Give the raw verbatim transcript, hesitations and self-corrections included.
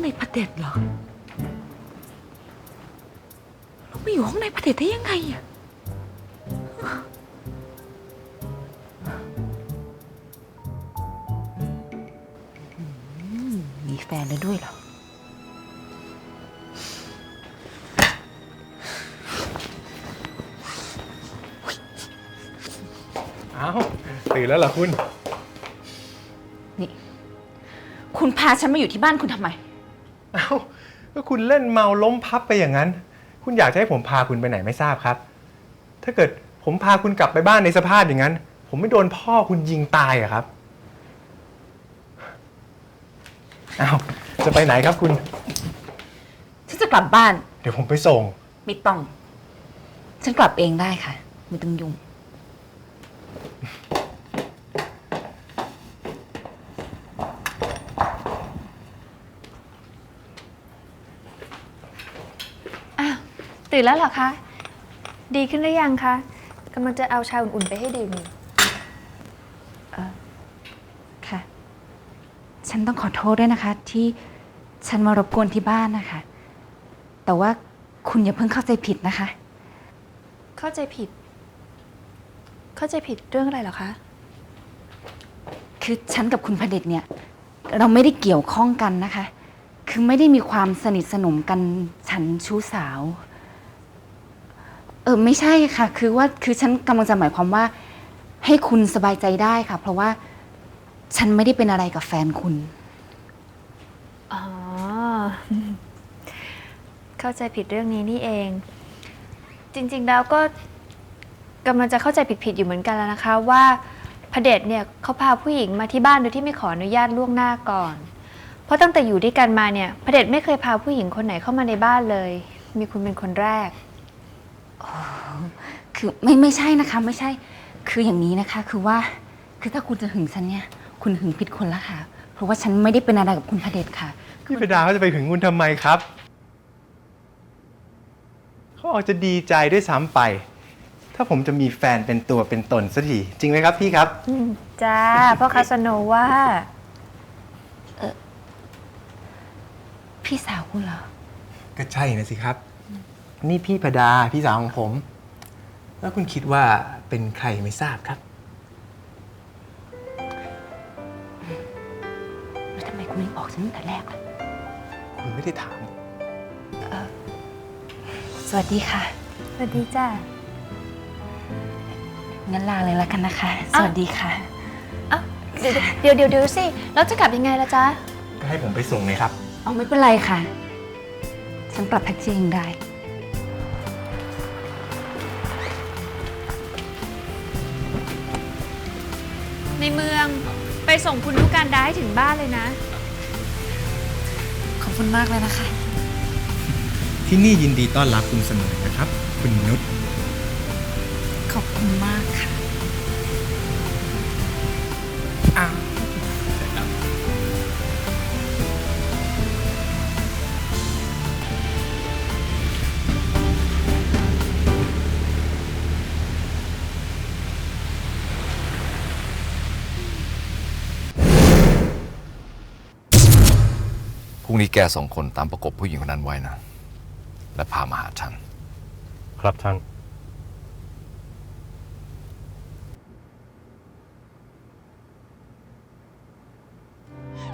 พระเดชเหรอเราไปอยู่ห้องในพระเดชได้ยังไงอะมีแฟนแล้วด้วยเหรออ้าวตื่นแล้วเหรอคุณนี่คุณพาฉันมาอยู่ที่บ้านคุณทำไมอ้าวก็คุณเล่นเมาล้มพับไปอย่างนั้นคุณอยากจะให้ผมพาคุณไปไหนไม่ทราบครับถ้าเกิดผมพาคุณกลับไปบ้านในสภาพอย่างนั้นผมไม่โดนพ่อคุณยิงตายอะครับอ้าวจะไปไหนครับคุณฉันจะกลับบ้านเดี๋ยวผมไปส่งไม่ต้องฉันกลับเองได้ค่ะไม่ต้องยุ่งตื่นแล้วเหรอคะ ดีขึ้นหรือยังคะกำลังจะเอาชาอุ่นๆไปให้ดื่มเออค่ะ ฉันต้องขอโทษด้วยนะคะ ที่ฉันมารบกวนที่บ้านนะคะ แต่ว่าคุณอย่าเพิ่งเข้าใจผิดนะคะเข้าใจผิด เข้าใจผิดเรื่องอะไรเหรอคะคือฉันกับคุณพเดชเนี่ย เราไม่ได้เกี่ยวข้องกันนะคะ คือไม่ได้มีความสนิทสนมกันฉันชู้สาวเออไม่ใช่ค่ะคือว่าคือฉันกำลังจะหมายความว่าให้คุณสบายใจได้ค่ะเพราะว่าฉันไม่ได้เป็นอะไรกับแฟนคุณอ๋อเข้าใจผิดเรื่องนี้นี่เอง จริงๆแล้วก็กำลังจะเข้าใจผิดๆอยู่เหมือนกันแล้วนะคะว่าพเดชเนี่ยเขาพาผู้หญิงมาที่บ้านโดยที่ไม่ขออนุญาตล่วงหน้าก่อนเพราะตั้งแต่อยู่ด้วยกันมาเนี่ยพเดชไม่เคยพาผู้หญิงคนไหนเข้ามาในบ้านเลยมีคุณเป็นคนแรกคือไม่ไม่ใช่นะคะไม่ใช่คืออย่างนี้นะคะคือว่าคือถ้าคุณจะหึงฉันเนี่ยคุณหึงผิดคนละค่ะเพราะว่าฉันไม่ได้เป็นอะไรกับคุณพเดชค่ะพี่พดาเขาจะไปหึงคุณทำไมครับเขาอาจจะดีใจด้วยซ้ำไปถ้าผมจะมีแฟนเป็นตัวเป็นตนสักทีจริงไหมครับพี่ครับจ้าพ่อคาสโนว่าเออพี่สาวคุณเหรอก็ใช่นะสิครับนี่พี่พดาพี่สาวของผมแล้วคุณคิดว่าเป็นใครไม่ทราบครับแล้วทำไมคุณไม่บอกฉันตั้งแต่แรกล่ะคุณไม่ได้ถามเออสวัสดีค่ะสวัสดีจ้างั้นลาเลยละกันนะคะสวัสดีค่ะเดี๋ยวเดี๋ยวเดี๋ยวสิแล้วจะกลับยังไงล่ะจ๊ะก็ให้ผมไปส่งเลยครับเอาไม่เป็นไรค่ะฉันกลับแท็กซี่เองได้ในเมืองไปส่งคุณนุการดาให้ถึงบ้านเลยนะขอบคุณมากเลยนะคะที่นี่ยินดีต้อนรับคุณเสมอนะครับคุณนุชขอบคุณมากค่ะอ้าวพรุ่งนี้แกสองคนตามประกบผู้หญิงคนนั้นไว้นะและพามาหาฉันครับท่าน